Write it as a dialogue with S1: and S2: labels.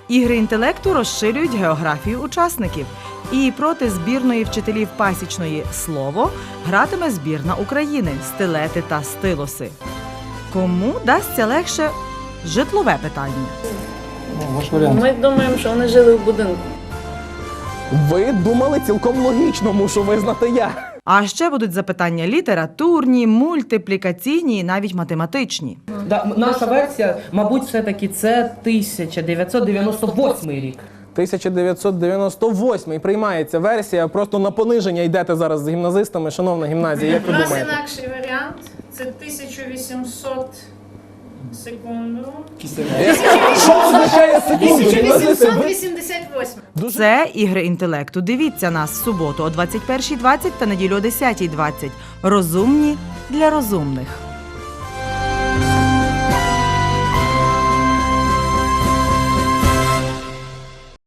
S1: Ігри інтелекту розширюють географію учасників. І проти збірної вчителів пасічної «Слово» гратиме збірна України «Стилети та стилоси». Кому дасться легше житлове питання?
S2: Ваш варіант.
S3: Ми думаємо, що вони жили в будинку.
S2: Ви думали цілком логічно, мушу визнати я.
S1: А ще будуть запитання літературні, мультиплікаційні і навіть математичні.
S4: Наша версія, мабуть, все-таки це 1998 рік.
S2: 1998 приймається версія, просто на пониження йдете зараз з гімназистами, шановна гімназія, як
S5: У
S2: ви
S5: нас
S2: думаєте?
S5: інакший варіант. Це 1800 секунду.
S2: Що означає секунду?
S5: 1888.
S1: Це «Ігри інтелекту». Дивіться нас в суботу о 21:20 та неділю о 10:20. Розумні для розумних.